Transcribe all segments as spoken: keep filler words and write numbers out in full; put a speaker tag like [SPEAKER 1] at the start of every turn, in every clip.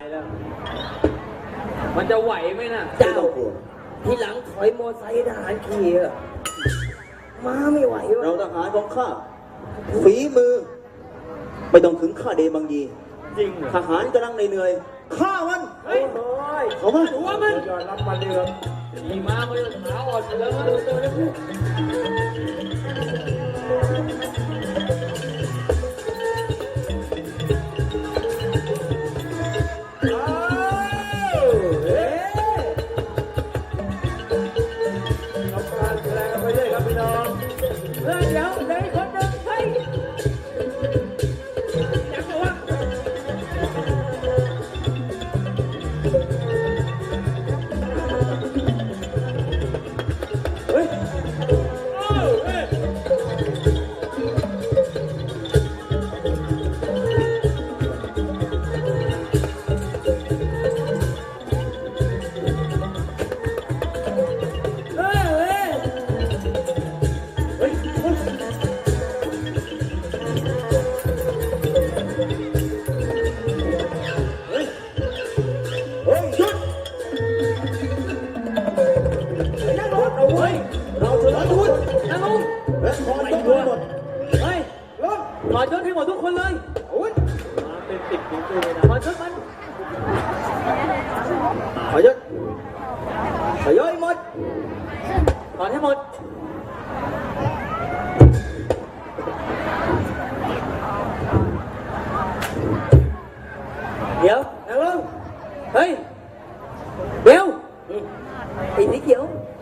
[SPEAKER 1] แล้วมันจะไหวไหมน่ะ
[SPEAKER 2] เจ้าทีหลังถอยมอไซค์ทหารขี่อะมาไม่ไหววะ
[SPEAKER 3] เราทหารของข้าฝีมือไม่ต้องถึงข้าเดบังยี
[SPEAKER 1] จริง
[SPEAKER 3] ทหารกำลังเหนื่อยข้ามัน
[SPEAKER 1] เฮ้ย
[SPEAKER 3] เขามา
[SPEAKER 1] หัวมันยอดรับมาเดือดขี่ม้ามาจนขาอ่อนไปแล้วถอดยศให้หมดทุกคนเลยมาเป็นติดจริงๆเลยนะถอดยศมัน
[SPEAKER 3] ถอยยศถอยยศหมด
[SPEAKER 1] ถอดให้หมดเดี๋ยวนั่งลงเฮ้ยเดี๋ยวไอ้สีเขียว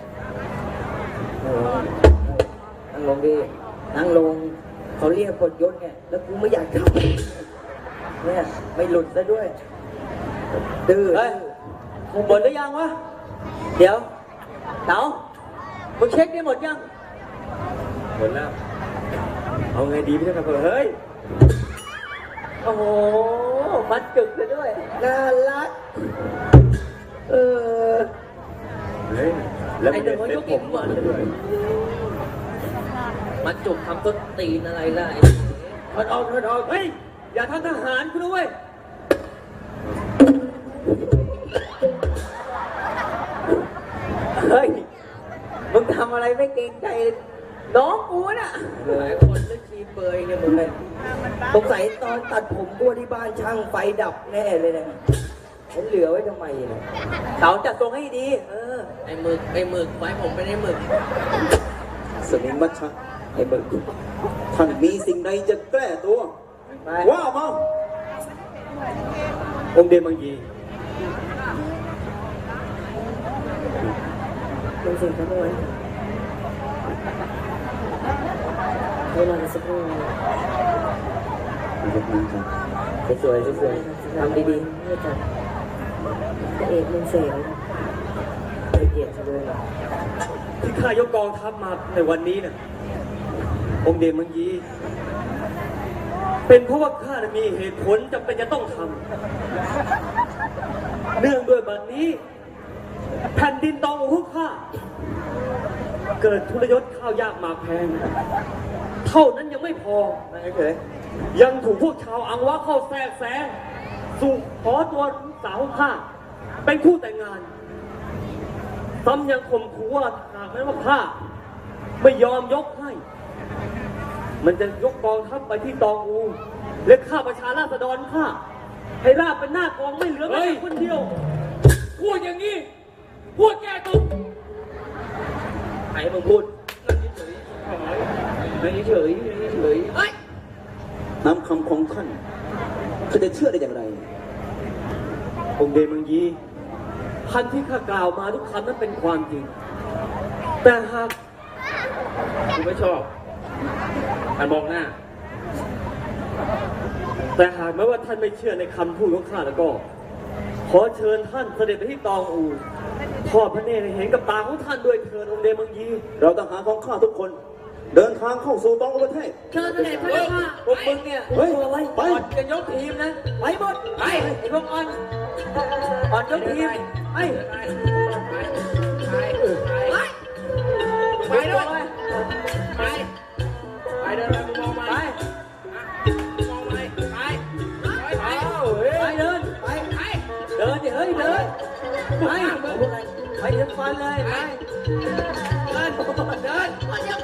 [SPEAKER 2] นั่งลงดินั่งลงเขาเรียกกดยศไงแล้วกูไม่อยากทำเนี่ยไม่หลุดซะด้วยดื้อ
[SPEAKER 1] เฮ้ยมึงหมดหรือยังวะเดี๋ยวเต๋ามึงเช็คได้หมดยังหมดแล้วเอาไงดีพี่ท่านเฮ้ยโอ้โหมัดจุกเลยด้วย
[SPEAKER 2] น่ารักเออ
[SPEAKER 1] เฮ้ยแล้วไอ้เด็กยกผมก่อนเลยมันจุกทำต้นตีนอะไรล่ะถอดออกถอดออกเฮ้ยอย่าทำทหารคุณด้วยเฮ้ยมึงทำอะไรไม่เกรงใจน้องกูน่ะหลายคนเล่นชีเปยเนี่ยมึงเลย
[SPEAKER 2] สงสัยตอนตัดผมกูที่บ้านช่างไฟดับแน่เลยนะฉันเหลือไว้ทำไมเนี่ย
[SPEAKER 1] เต๋าจัดทรงให้ดีเออไอ้หมึกไอ้หมึกไว้ผมไม่ได้หมึก
[SPEAKER 3] สมิงมัชชะไอ้เบิกท่านมีสิ่งใดจะแก้ตัวว่ามา
[SPEAKER 1] องค์เดมังยี
[SPEAKER 2] ลงเสียงกันด้วยเวลาสักครู่สวยๆสวยๆทำดีๆนี่จ้ะพระเอกมึงเสียงละเอียดเลย
[SPEAKER 1] ที่ข้ายกกองทัพมาในวันนี้น่ะองค์เดมังยีเป็นเพราะว่าข้ามีเหตุผลจำเป็นจะต้องทำเนื่องด้วยบัดนี้แผ่นดินตองของพวกข้าเกิดทุรยศข้าวยากหมากแพงเท่านั้นยังไม่พอยังถูกพวกชาวอังวะเข้าแทรกแซงสู่ขอตัวลูกสาวข้าเป็นคู่แต่งงานซ้ำยังข่มขู่ว่าหากแม้ว่าข้าไม่ยอมยกให้มันจะยกกองทัพไปที่ตองอูและฆ่าประชาราษฎรข้าให้ราบเป็นหน้ากองไม่เหลือแม้แต่คนเดียวพูดอย่างนี้พูดแก้ตัวไอ้มึงพูดไม่เฉยไม่เฉยเฮ้ย
[SPEAKER 3] นำคำของท่านเขาจะเชื่อได้อย่างไร
[SPEAKER 1] องค์เดมังยีพันที่ข้ากล่าวมาทุกคำนั้นเป็นความจริงแต่หากกูไม่ชอบท่านมองหน้าแต่หากแม้ว่าท่านไม่เชื่อในคำพูดของข้าแล้วก็ขอเชิญท่านเสด็จไปที่ตองอูทอดพระเนตรเห็นกับตาของท่านด้วยเถิดองค์เดมังยี
[SPEAKER 3] เราทหารของข้าทุกคนเดินทางเข้าสู่ตองอูประเทศ
[SPEAKER 1] เชิญเสด็จพระเจ้าค่ะพวกมึงเนี่ย
[SPEAKER 3] เฮ้ย
[SPEAKER 1] ไปจะยกทีมนะไปหมดไปไอ้พวกอ่อนอ่อนยกทีมไปไปไปด้วยไปไปเดินไปมองมาไปมองไปไปไปไปเดินไปไปนดิเฮ้ยเดินไปไปเดินฟันเลยไปเดินเดิน
[SPEAKER 4] คนเดียว